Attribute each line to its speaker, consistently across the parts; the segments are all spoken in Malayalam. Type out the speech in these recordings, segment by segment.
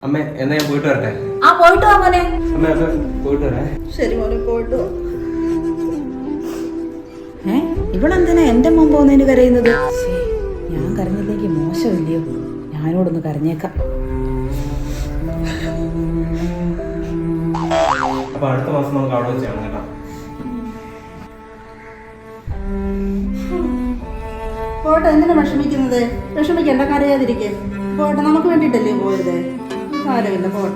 Speaker 1: അമ്മ എന്നാ ഞാൻ പോയിട്ട് വരട്ടെ.
Speaker 2: ആ പോയിട്ട് വാ മോനെ.
Speaker 1: അമ്മ പോയിട്ട് വരാ.
Speaker 2: ശരി മോനെ പോയിട്ട് വാ. ഇവളെന്തിനാ എന്റെ മോൻ പോകുന്നതിന് കരയുന്നത്? ഞാൻ കരഞ്ഞില്ലെങ്കിൽ മോശമില്ലയോ? ഞാനോടൊന്ന് കരഞ്ഞേക്കാം.
Speaker 1: അപ്പൊ അടുത്ത മാസം നമുക്ക് അവിടെ വെച്ച് കാണാം കേട്ടോ.
Speaker 3: പോട്ടെ, എന്തിനാ വിഷമിക്കുന്നത്? വിഷമിക്കണ്ട, കരയാതിരിക്കേ. പോട്ടെ, നമുക്ക് വേണ്ടിയിട്ടല്ലേ പോയത്. സാരമില്ല, പോട്ടെ.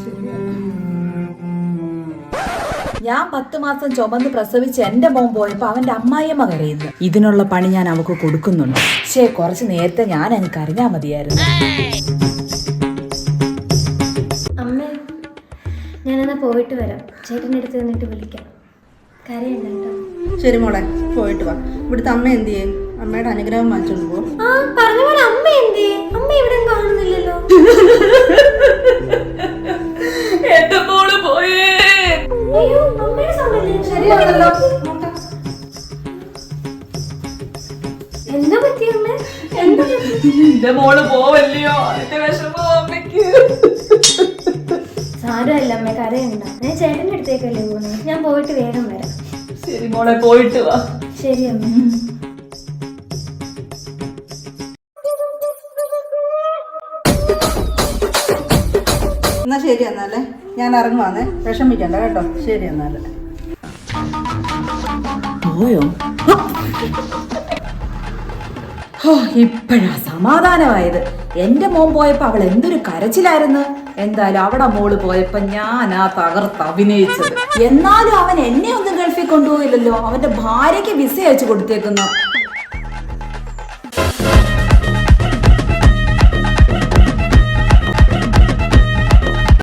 Speaker 2: ഞാൻ 10 മാസം ചുമന്ന് പ്രസവിച്ച് എന്റെ മോൻ പോയപ്പോ അവന്റെ അമ്മായിയമ്മ കരയുന്നു. ഇതിനുള്ള പണി ഞാൻ അവക്ക് കൊടുക്കുന്നുണ്ട്. പക്ഷേ കുറച്ച് നേരത്തെ ഞാൻ അങ്ങ് കരഞ്ഞാ മതിയായിരുന്നു.
Speaker 4: അമ്മേ, ഞാനെന്നാ പോയിട്ട് വരാം. ചേട്ടൻ്റെ അടുത്ത് നിന്നിട്ട് വിളിക്കാം. കരയണ്ട കേട്ടോ.
Speaker 3: ശരി മോളെ, പോയിട്ട് വാ. ഇവിടുത്തെ അമ്മ എന്ത് ചെയ്യും? അമ്മയുടെ അനുഗ്രഹം വാങ്ങിച്ചോണ്ട് പോ.
Speaker 4: ആ പറഞ്ഞ പോലെ അമ്മ എന്തേ? അമ്മ ഇവിടെ കാണുന്നില്ലല്ലോ.
Speaker 2: എന്റെ മോള് പോയേ.
Speaker 4: അയ്യോ, അമ്മയുടെ സൗണ്ടല്ലേ?
Speaker 3: ശരിയാണല്ലോ.
Speaker 4: എന്താ പറ്റി അമ്മ?
Speaker 2: എന്റെ മോള് പോവല്ലയോ? അതിന്റെ വിഷമോ അമ്മയ്ക്ക്?
Speaker 4: സാരമല്ല അമ്മ, കരയണ്ട. ഞാൻ ചേട്ടൻ്റെ അടുത്തേക്കല്ലേ പോകുന്നത്. ഞാൻ പോയിട്ട് വേഗം വരാം.
Speaker 2: ശരി മോളെ, പോയിട്ട് വാ.
Speaker 4: ശരി അമ്മ.
Speaker 3: എന്നാ ശരി എന്നാലേ, ഞാൻ ഇറങ്ങുവാന്നേ. വിഷമിക്കണ്ട കേട്ടോ. ശരി എന്നാല്.
Speaker 2: പോയോ? ഇപ്പഴാ സമാധാനമായത്. എന്റെ മോൻ പോയപ്പോ അവൾ എന്തൊരു കരച്ചിലായിരുന്നു. എന്തായാലും അവിടെ മോള് പോയപ്പോ ഞാനാ തകർത്ത് അഭിനയിച്ചത്. എന്നാലും അവൻ എന്നെ ഒന്നും ഗൾഫിൽ കൊണ്ടുപോയില്ലല്ലോ. അവന്റെ ഭാര്യയ്ക്ക് വിസ അയച്ചു കൊടുത്തേക്കുന്നു.